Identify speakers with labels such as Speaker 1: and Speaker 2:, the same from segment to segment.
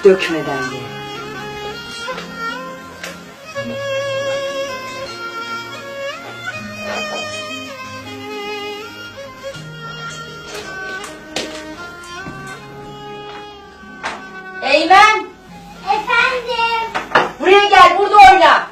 Speaker 1: dökmeden ye. Eymen!
Speaker 2: Efendim?
Speaker 1: Buraya gel, burada oyna.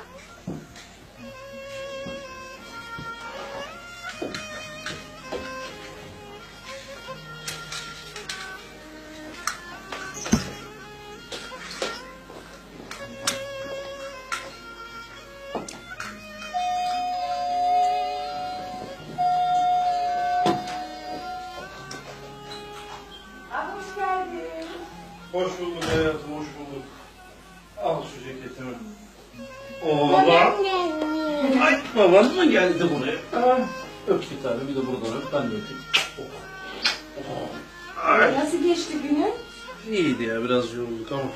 Speaker 1: Hoş geldin.
Speaker 3: Hoş bulduk hayatım, hoş bulduk. Al şu ceketimi. Oğlan. Ay, baban mı geldi buraya? Ah, öp bir tane, bir de buradan öp, ben de öpeyim. Ay.
Speaker 1: Nasıl geçti günün?
Speaker 3: İyiydi ya, biraz yorulduk ama.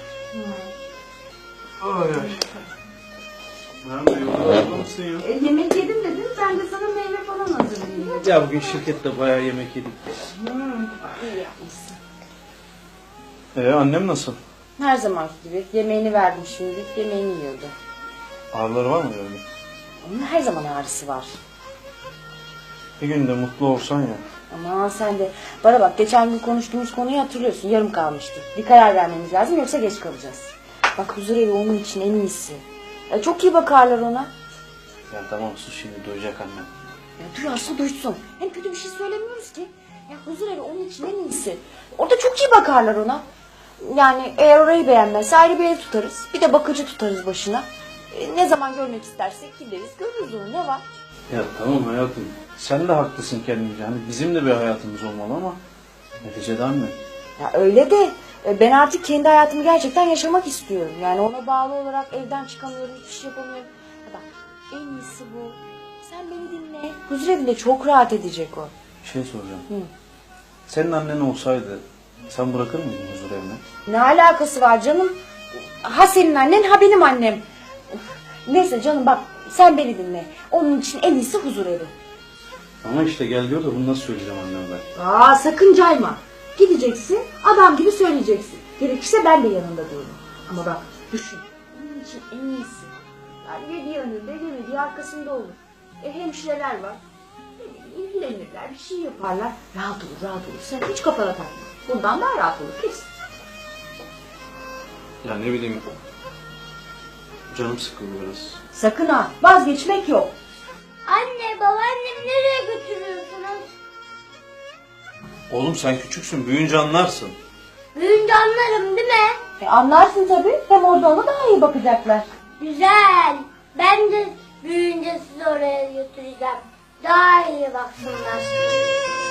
Speaker 3: Ay ay. Nerede yoruldun mısın ya?
Speaker 1: Yemek yedim dedin, ben de sana meyve falan hazırlayayım.
Speaker 3: Ya bugün şirkette bayağı yemek yedik.
Speaker 1: İyi yapmışsın.
Speaker 3: Annem nasıl?
Speaker 1: Her zamanki gibi yemeğini verdim şimdi, yemeğini yiyordu.
Speaker 3: Ağrıları var mı yani?
Speaker 1: Onun her zaman ağrısı var.
Speaker 3: Bir gün de mutlu olsan ya.
Speaker 1: Aman sen de, bana bak geçen gün konuştuğumuz konuyu hatırlıyorsun, yarım kalmıştı. Bir karar vermemiz lazım yoksa geç kalacağız. Bak huzurevi onun için en iyisi. Çok iyi bakarlar ona.
Speaker 3: Ya tamam sus şimdi, duyacak annem.
Speaker 1: Ya duyarsa duysun. Hem kötü bir şey söylemiyoruz ki. Ya huzurevi onun için en iyisi. Orada çok iyi bakarlar ona. Yani eğer orayı beğenmezse ayrı bir ev tutarız. Bir de bakıcı tutarız başına. Ne zaman görmek istersek gideriz, görürüz onu, ne var?
Speaker 3: Ya tamam hayatım, sen de haklısın kendince. Hani bizim de bir hayatımız olmalı ama neticede anne.
Speaker 1: Ya öyle de ben artık kendi hayatımı gerçekten yaşamak istiyorum. Yani ona bağlı olarak evden çıkamıyorum, hiçbir şey yapamıyorum. Ya bak en iyisi bu. Sen beni dinle. Huzurevi de çok rahat edecek o.
Speaker 3: Bir şey soracağım.
Speaker 1: Hı.
Speaker 3: Senin annen olsaydı sen bırakır mıydın huzur evine?
Speaker 1: Ne alakası var canım? Ha senin annen ha benim annem. Neyse canım bak sen beni dinle. Onun için en iyisi huzurevi.
Speaker 3: Ama işte gel diyor da bunu nasıl söyleyeceğim anneme ben?
Speaker 1: Aa sakın cayma. Gideceksin adam gibi söyleyeceksin. Gerekirse ben de yanında dururum. Ama bak düşün. Onun için en iyisi. Yani yediği önünde yemediği arkasında olur. Hemşireler var. İlgilenirler bir şey yaparlar. Rahat olur rahat olur. Sen hiç kafana takma. Bundan daha rahat olur kesin.
Speaker 3: Ya ne bileyim, canım sıkıldı biraz.
Speaker 1: Sakın ha vazgeçmek yok.
Speaker 2: Anne, babaannemi nereye götürüyorsunuz?
Speaker 3: Oğlum sen küçüksün, büyüyünce anlarsın.
Speaker 2: Büyünce anlarım değil mi?
Speaker 1: Anlarsın tabii. Hem orada ona daha iyi bakacaklar.
Speaker 2: Güzel. Ben de büyüyünce sizi oraya götüreceğim. Daha iyi baksınlar.